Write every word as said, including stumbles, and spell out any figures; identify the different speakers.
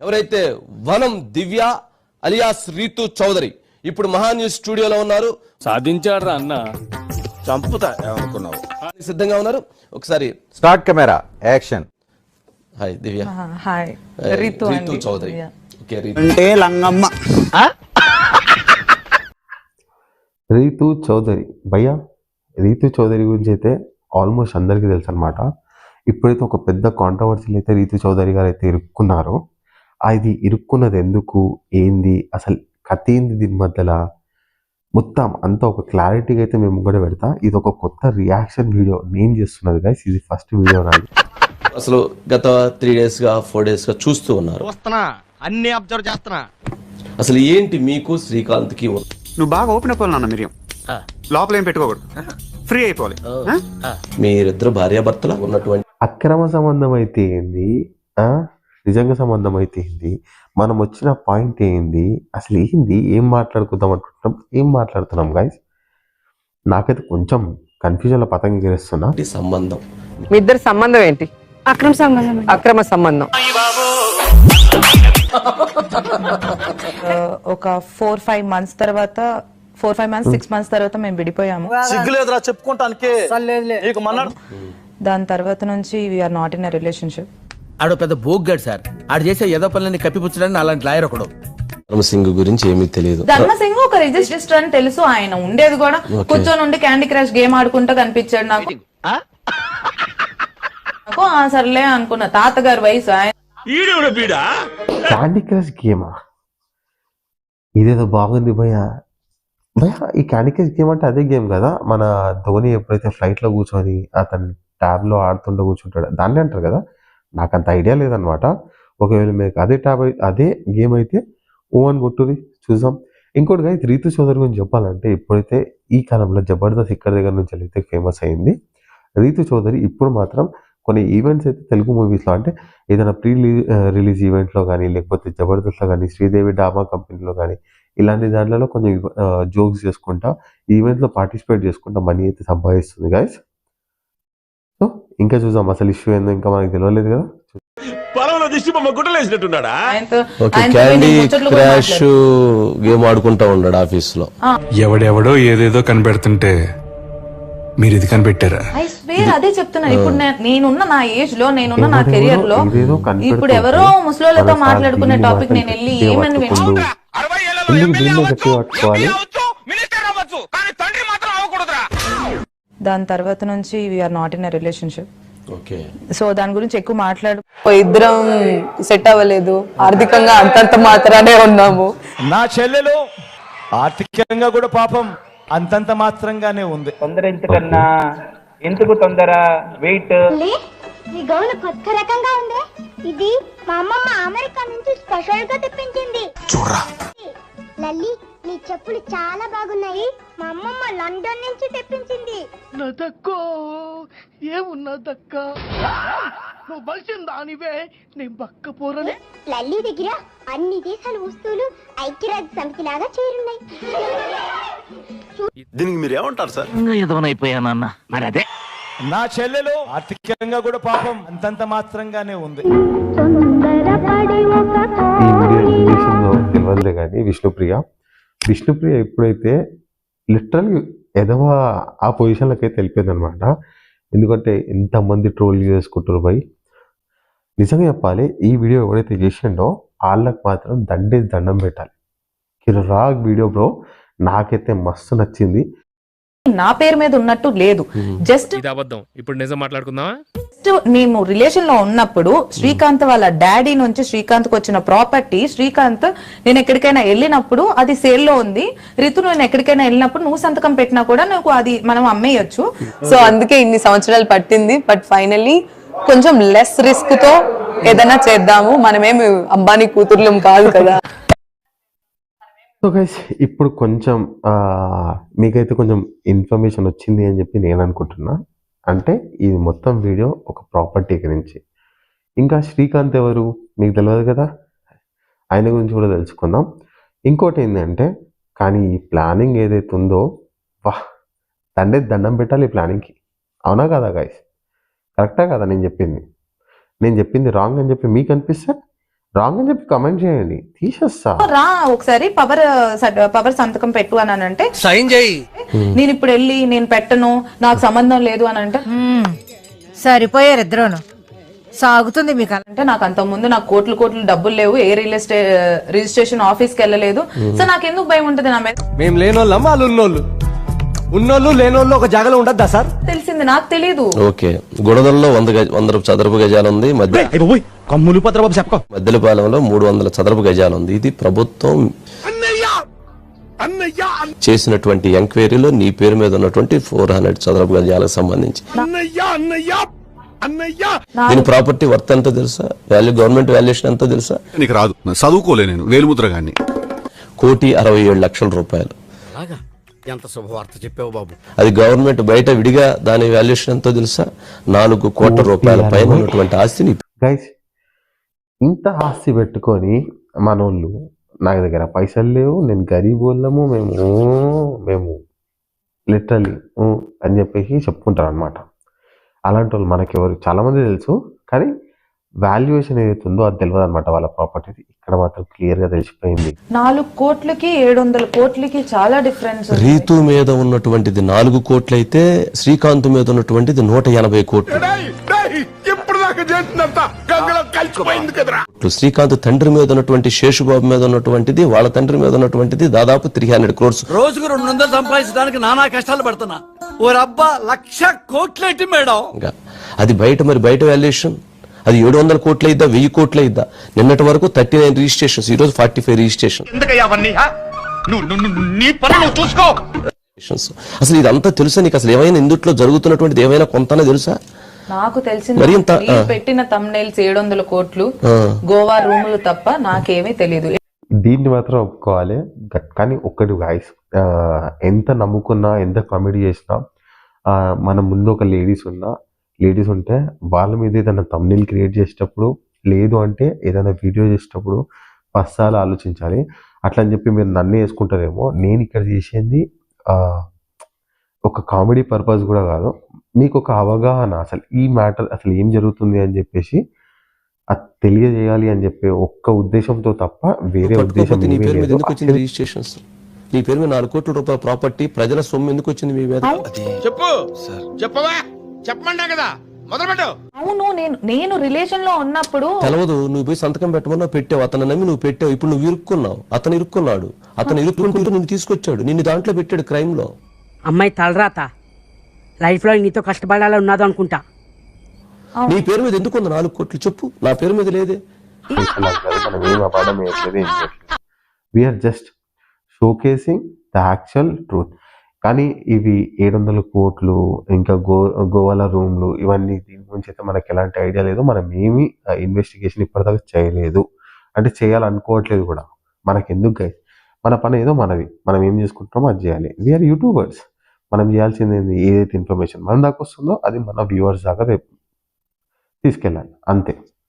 Speaker 1: ఎవరైతే వనం దివ్య అలియాస్ రీతు చౌదరి ఇప్పుడు మహా న్యూస్ స్టూడియోలో ఉన్నారు.
Speaker 2: సాధించాడ్రా అన్న, చంపుతా అనుకున్నావు.
Speaker 1: సిద్ధంగా ఉన్నారు. ఒకసారి
Speaker 3: start camera action.
Speaker 1: Hi Divya.
Speaker 4: Hi Ritu
Speaker 1: Ritu Chowdary. Okay Ritu
Speaker 2: అంటే లంగమ్మ.
Speaker 5: రీతు చౌదరి భయ్యా, రీతు చౌదరి గురించి అయితే ఆల్మోస్ట్ అందరికీ తెలుసు అనమాట. ఇప్పుడైతే ఒక పెద్ద కాంట్రవర్సీలు అయితే రీతు చౌదరి గారు అయితే ఇరుక్కున్నారు. అది ఇరుక్కున్నది ఎందుకు, ఏంది, అసలు కథ ఏంది, దీని మధ్యలో మొత్తం అంతా ఒక క్లారిటీగా అయితే మేము కూడా పెడతా. ఇది ఒక కొత్త రియాక్షన్ వీడియో నేను చేస్తున్నది గైస్, ఇది ఫస్ట్ వీడియో నాది.
Speaker 1: అసలు గత త్రీ డేస్ గా ఫోర్ డేస్ గా చూస్తూ ఉన్నారు,
Speaker 2: అన్ని అబ్జర్వ్ చేస్తున్నా.
Speaker 1: అసలు ఏంటి మీకు శ్రీకాంత్ కి
Speaker 6: నువ్వు బాగా ఓపెన్ అయిపోవాలి నాన్న. మిరియం లోపల ఏం పెట్టుకోకూడదు, ఫ్రీ అయిపోవాలి.
Speaker 1: మీరిద్దరు భార్యాభర్తలు ఉన్నటువంటి
Speaker 5: అక్రమ సంబంధం అయితే ఏంది, ఆ నిజంగా సంబంధం అయితే ఏంది, మనం వచ్చిన పాయింట్ ఏంది, అసలు ఏంది, ఏం మాట్లాడుకుందాం అనుకుంటున్నాం, ఏం మాట్లాడుతున్నాం గైస్. నాకైతే కొంచెం కన్ఫ్యూజన్ లో పతంగి గెలుస్తున్నా.
Speaker 1: సంబంధం,
Speaker 4: మీ ఇద్దరు సంబంధం ఏంటి? అక్రమ సంబంధం. అక్రమ సంబంధం.
Speaker 7: ఒక ఫోర్ ఫైవ్ మంత్స్ తర్వాత four five months six months తర్వాత మేము విడిపోయాము.
Speaker 2: సిగ్గులేదురా చెప్పుకుంటానికి.
Speaker 7: దాని తర్వాత నుంచి we're not in a relationship.
Speaker 8: ఆడు పెద్ద బోగ్గాడు సార్. ఆడు చేసే ఏదో పనులని కప్పిపుచ్చడానికి అలాంటి లాయర్ ఒకడు.
Speaker 1: ధర్మసింగ్ గురించి ఏమీ తెలియదు.
Speaker 7: ధర్మసింగ్ ఒక రిజిస్టర్ అని తెలుసు. ఆయన ఉండేది కూడా కూర్చొని ఉండి క్యాండీ క్రష్ గేమ్ ఆడుకుంటూ కనిపించాడు నాకు. నాకు ఆ సర్లే అనుకున్నా. తాతగారి వయసు ఆయన.
Speaker 5: క్యాండీ క్రష్ గేమా, ఇదేదో బాగుంది భయ్యా. భయ్యా ఈ క్యాండీ క్రష్ గేమ్ అంటే అదే గేమ్ కదా, మన ధోని ఎప్పుడైతే ఫ్లైట్ లో కూర్చొని అతను ట్యాబ్ లో ఆడుతుంటూ కూర్చుంటాడు, దాన్ని అంటారు కదా. నాకు అంత ఐడియా లేదనమాట. ఒకవేళ మీకు అదే ట్యాబ్ అదే గేమ్ అయితే ఓ అని కొట్టుది చూద్దాం. ఇంకోటి అయితే రీతు చౌదరి గురించి చెప్పాలంటే, ఇప్పుడైతే ఈ కాలంలో జబర్దస్త్ ఇక్కడ దగ్గర నుంచి అయితే ఫేమస్ అయింది రీతు చౌదరి. ఇప్పుడు మాత్రం కొన్ని ఈవెంట్స్ అయితే తెలుగు మూవీస్లో, అంటే ఏదైనా ప్రీ రిలీజ్ ఈవెంట్లో కానీ, లేకపోతే జబర్దస్త్లో కానీ, శ్రీదేవి డామా కంపెనీలో కానీ, ఇలాంటి దాంట్లో కొంచెం జోక్స్ చేసుకుంటా ఈవెంట్లో పార్టిసిపేట్ చేసుకుంటా మనీ అయితే సంపాదిస్తుంది గాయస్. సో ఇంకా చూద్దాం అసలు ఇష్యూ ఏందో, ఇంకా మనకి తెలియలేదు కదా.
Speaker 1: క్యాండీ క్రాష్ గేమ్ ఆడుకుంటా ఉన్నాడు ఆఫీస్ లో.
Speaker 9: ఎవడెవడో ఏదేదో కనిపెడుతుంటే మీరు ఇది కనిపెట్టారా?
Speaker 7: అదే చెప్తున్నా. ఇప్పుడు నేనున్న నా ఏజ్ లో, నేనున్న నా కెరియర్ లో, ఇప్పుడు ఎవరో ముసలోళ్ళతో మాట్లాడుకునే టాపిక్ నేను వెళ్ళి ఏమని
Speaker 5: పట్టుకోవాలి.
Speaker 7: దాని తర్వాత నుంచి we're not in a relationship.
Speaker 1: Okay,
Speaker 7: so దాని గురించి ఎక్కువ మాట్లాడు.
Speaker 4: ఇద్దరం సెట్ అవ్వలేదు, ఆర్థికంగా అంతంత మాత్రానే ఉన్నాము.
Speaker 2: నా చెల్లెలు ఆర్థికంగా కూడా పాపం అంతంత మాత్రంగానే ఉంది.
Speaker 10: తొందర ఎందుకన్నా, ఎందుకు తొందర? వెయిట్.
Speaker 11: ఈ గౌను కొత్త రకంగా ఉంది. ఇది మా అమ్మమ్మ అమెరికా నుంచి స్పెషల్ గా తెప్పించింది. చూడరా లల్లి, నీ చెప్పులు చాలా బాగున్నాయి. మా అమ్మమ్మ లండన్ నుంచి తెప్పించింది.
Speaker 8: నా దక్కో ఏమున్నా దక్క, నువ్వు బలిసిన దానివే, నేను బక్క పోరనే.
Speaker 11: లల్లి దగ్గర అన్ని దేశాల వస్తువులు ఐక్యరాజ్య సమితి లాగా చేరున్నాయి.
Speaker 2: దీనికి మీరు ఏమంటారు సార్?
Speaker 8: ఎదవనైపోయానన్న. మరి అదే
Speaker 2: నా చెల్లెలు ఆర్థికంగా కూడా పాపం అంతంత మాత్రంగానే ఉంది.
Speaker 5: ఈ వీడియో ఇంగ్లీష్లో తెలియదులే కానీ, విష్ణుప్రియ విష్ణుప్రియ ఎప్పుడైతే లిటరల్ ఎదవ ఆ పొజిషన్లోకి అయితే వెళ్ళిపోయింది అనమాట. ఎందుకంటే ఎంతమంది ట్రోల్ చేసుకుంటారు భయ్. నిజంగా చెప్పాలి, ఈ వీడియో ఎవరైతే చేసిండో వాళ్ళకి మాత్రం దండేసి దండం పెట్టాలి. కిరా వీడియో బ్రో, నాకైతే మస్తు నచ్చింది.
Speaker 7: నా పేరు మీద ఉన్నట్టు లేదు, జస్ట్
Speaker 9: అబద్ధం. ఇప్పుడు నిజం మాట్లాడుకుందామా?
Speaker 7: జస్ట్ మేము రిలేషన్ లో ఉన్నప్పుడు శ్రీకాంత్ వాళ్ళ డాడీ నుంచి శ్రీకాంత్ కు వచ్చిన ప్రాపర్టీ, శ్రీకాంత్ నేను ఎక్కడికైనా వెళ్ళినప్పుడు అది సేల్ లో ఉంది, రితు నేను ఎక్కడికైనా వెళ్ళినప్పుడు నువ్వు సంతకం పెట్టినా కూడా నాకు అది మనం అమ్మేయచ్చు.
Speaker 4: సో అందుకే ఇన్ని సంవత్సరాలు పట్టింది. బట్ ఫైనల్లీ కొంచెం లెస్ రిస్క్ తో ఏదైనా చేద్దాము. మనమేమి అంబానీ కూతుర్లం కాదు కదా.
Speaker 5: సో గైస్, ఇప్పుడు కొంచెం మీకైతే కొంచెం ఇన్ఫర్మేషన్ వచ్చింది అని చెప్పి నేను అనుకుంటున్నా. అంటే ఇది మొత్తం వీడియో ఒక ప్రాపర్టీ గురించి. ఇంకా శ్రీకాంత్ ఎవరు మీకు తెలియదు కదా, ఆయన గురించి కూడా తెలుసుకుందాం. ఇంకోటి ఏంటంటే, కానీ ఈ ప్లానింగ్ ఏదైతే ఉందో, వాహ్ దండే దండం పెట్టాలి ఈ ప్లానింగ్కి. అవునా కదా గైస్? కరెక్టా కదా నేను చెప్పింది? నేను చెప్పింది రాంగ్ అని చెప్పి మీకు అనిపిస్తే రాంగ్ అని చెప్పి కమెంట్ చేయండి, తీసేస్తా.
Speaker 7: రా ఒకసారి పవర్ పవర్ సంతకం పెట్టు అని అంటే
Speaker 8: సైన్ చేయి.
Speaker 7: నేను ఇప్పుడు వెళ్ళి నేను పెట్టను నాకు సంబంధం లేదు అని అంటే
Speaker 11: సరిపోయారు ఇద్దరును. సాగుతుంది మీకు
Speaker 7: అంటే నాకు అంత ముందు నాకు కోట్లు కోట్లు డబ్బులు లేవు, ఏ రియల్ ఎస్టేట్ రిజిస్ట్రేషన్ ఆఫీస్ కి వెళ్ళలేదు. సో నాకు ఎందుకు భయం ఉంటుంది నా మీద?
Speaker 1: మేము లేనోళ్ళం వాళ్ళు ఉన్నోళ్ళు, ఉన్నోళ్ళు లేనోళ్ళు ఒక జాగలో ఉండద్దా సార్?
Speaker 7: తెలిసింది నాకు తెలియదు.
Speaker 1: ఓకే, గుడదల్లో వంద గజ వంద చదరపు గజాలు ఉంది, మధ్య
Speaker 2: కమ్ములు పత్రబాబు చెప్పకో.
Speaker 1: మద్దెలపాలెంలో మూడు వందల చదరపు గజాలు ఉంది. ఇది ప్రభుత్వం చేసినటువంటి ఎంక్వైరీలో నీ పేరు మీద ఉన్నటువంటి ఫోర్ హండ్రెడ్ చదరపు గజాలకు సంబంధించి దీని ప్రాపర్టీ వర్త్ ఎంతో తెలుసా? వాల్యూ గవర్నమెంట్ వాల్యుయేషన్ ఎంతో తెలుసా?
Speaker 9: నీకు రాదు, చదువుకోలే, నేను వేలుముద్ర గాని.
Speaker 1: కోటి అరవై ఏడు లక్షల రూపాయలు.
Speaker 8: ఎంత శుభవార్త చెప్పావు బాబు.
Speaker 1: అది గవర్నమెంట్ బయట విడిగా దాని వాల్యుయేషన్ ఎంతో తెలుసా? నాలుగు కోట్ల రూపాయల పైన ఉన్నటువంటి ఆస్తిని.
Speaker 5: గైస్, ఇంత ఆస్తి పెట్టుకొని మనోళ్ళు నా దగ్గర పైసలు లేవు, నేను గరీబ్ వాళ్ళము, మేము మేము లిటరలీ అని చెప్పేసి చెప్పుకుంటారు అనమాట. అలాంటి వాళ్ళు మనకి ఎవరు చాలా మంది తెలుసు, కానీ వాల్యుయేషన్ ఏదైతే ఉందో అది తెలియదు అనమాట వాళ్ళ ప్రాపర్టీ. ఇక్కడ మాత్రం క్లియర్ గా తెలిసిపోయింది.
Speaker 7: నాలుగు కోట్లకి ఏడు వందల కోట్లకి చాలా డిఫరెన్స్.
Speaker 1: రీతు మీద ఉన్నటువంటిది నాలుగు కోట్లు అయితే శ్రీకాంత్ మీద ఉన్నటువంటిది నూట ఎనభై కోట్లు. శ్రీకాంత్ తండ్రి మీద ఉన్నటువంటి శేషుబాబు మీద ఉన్నటువంటిది, వాళ్ళ తండ్రి మీద ఉన్నటువంటిది దాదాపు త్రీ హండ్రెడ్ క్రోర్స్.
Speaker 8: రోజుకు రెండు వందలు సంపాదించడానికి నానా కష్టాలు పడుతున్నా. ఓ రబ్బా లక్ష కోట్లేటి మేడం.
Speaker 1: అది బయట మరి బయట వాల్యుయేషన్ అది ఏడు వందల కోట్ల ఇద్దా, వెయ్యి కోట్ల ఇద్దా? నిన్నటి వరకు థర్టీ నైన్ రిజిస్ట్రేషన్స్, ఈ రోజు ఫార్టీ ఫైవ్ రిజిస్ట్రేషన్. అసలు ఇదంతా తెలుసా నీకు? అసలు ఏమైనా ఇందుట్లో జరుగుతున్నటువంటిది ఏమైనా కొంతనే తెలుసా?
Speaker 7: నాకు తెలిసింది పెట్టిన తమ్నైల్స్ ఏడు వందల కోట్లు గోవా రూములు తప్ప నాకేమీ తెలియదు.
Speaker 5: దీన్ని మాత్రం ఒప్పుకోవాలి. కానీ ఒక్కటి గాయస్, ఎంత నమ్ముకున్నా ఎంత కామెడీ చేసినా మన ముందు ఒక లేడీస్ ఉన్నా లేడీస్ ఉంటే వాళ్ళ మీద ఏదైనా తమ్నైల్ క్రియేట్ చేసేటప్పుడు, లేదు అంటే ఏదైనా వీడియో చేసేటప్పుడు పస్సాలు ఆలోచించాలి. అట్లా అని చెప్పి మీరు నన్ను వేసుకుంటారేమో. నేను ఇక్కడ చేసేది ఒక కామెడీ పర్పస్ కూడా కాదు, మీకు ఒక అవగాహన అసలు ఈ మ్యాటర్ అసలు ఏం జరుగుతుంది అని చెప్పేసి అది తెలియజేయాలి అని చెప్పే ఒక్క ఉద్దేశంతో తప్ప వేరే ఉద్దేశం.
Speaker 1: నీ పేరు మీద ఎందుకు వచ్చింది రిజిస్ట్రేషన్స్? నీ పేరు మీద నాలుగు కోట్ల రూపాయల ప్రాపర్టీ, ప్రజల సొమ్ము ఎందుకు వచ్చింది మీ మీద?
Speaker 8: చెప్పు చెప్పవా, చెప్పమంటా కదా, మొదలుపెట్టు.
Speaker 7: అవును, నేను నేను రిలేషన్ లో ఉన్నప్పుడు
Speaker 1: తెలవదు, నువ్వు పోయి సంతకం పెట్టమన్నా పెట్టావు, అతను నమ్మి నువ్వు పెట్టావు. ఇప్పుడు నువ్వు ఇరుక్కున్నావు, అతను ఇరుక్కున్నాడు, అతను ఇరుక్కుంటూ నిన్ను తీసుకొచ్చాడు, నిన్ను దాంట్లో పెట్టాడు క్రైమ్ లో.
Speaker 11: అమ్మాయి తలరాత లైఫ్ లో నీతో కష్టపడాలని ఉన్నదో అనుకుంటా.
Speaker 1: నీ పేరు మీద ఎందుకు ఉంది నాలుగు కోట్లు చెప్పు? నా పేరు మీద లేదే.
Speaker 5: మనం ఏం అపార్థం చేయట్లేదు, ఏం చేయట్లేదు. We're just showcasing the actual truth. కానీ ఇవి ఏడు వందల కోట్లు ఇంకా గో గోవాల రూమ్లు ఇవన్నీ దీని గురించి అయితే మనకి ఎలాంటి ఐడియా లేదు. మనం ఏమి ఇన్వెస్టిగేషన్ ఇప్పటిదాకా చేయలేదు, అంటే చేయాలనుకోవట్లేదు కూడా. మనకి ఎందుకు గైస్, మన పని ఏదో మనది, మనం ఏం చేసుకుంటామో అది చేయాలి. వీఆర్ యూట్యూబర్స్, మనం చేయాల్సింది ఏంది? ఏదైతే ఇన్ఫర్మేషన్ మన దాకా వస్తుందో అది మన వ్యూవర్స్ దాకా రేపు తీసుకెళ్ళాలి, అంతే.